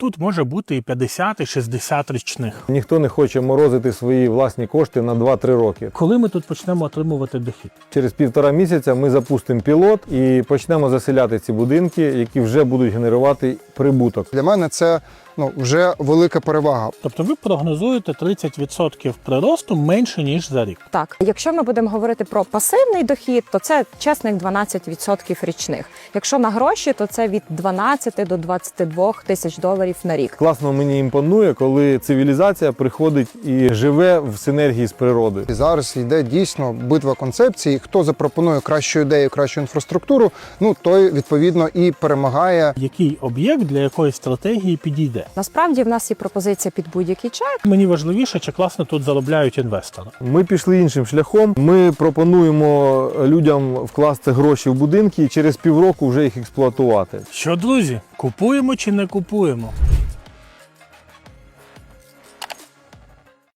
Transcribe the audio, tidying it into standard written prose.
тут може бути і 50, і 60 річних. Ніхто не хоче морозити свої власні кошти на 2-3 роки. Коли ми тут почнемо отримувати дохід? Через 1,5 місяця ми запустимо пілот і почнемо заселяти ці будинки, які вже будуть генерувати прибуток. Для мене це вже велика перевага. Тобто ви прогнозуєте 30% приросту менше, ніж за рік. Так, якщо ми будемо говорити про пасивний дохід, то це чесних 12% річних. Якщо на гроші, то це від 12 до 22 тисяч доларів на рік. Класно мені імпонує, коли цивілізація приходить і живе в синергії з природою. І зараз йде дійсно битва концепцій. Хто запропонує кращу ідею, кращу інфраструктуру, той відповідно і перемагає. Який об'єкт для якої стратегії підійде? Насправді в нас є пропозиція під будь-який чек. Мені важливіше, чи класно тут заробляють інвестори. Ми пішли іншим шляхом. Ми пропонуємо людям вкласти гроші в будинки і через півроку вже їх експлуатувати. Що, друзі, купуємо чи не купуємо?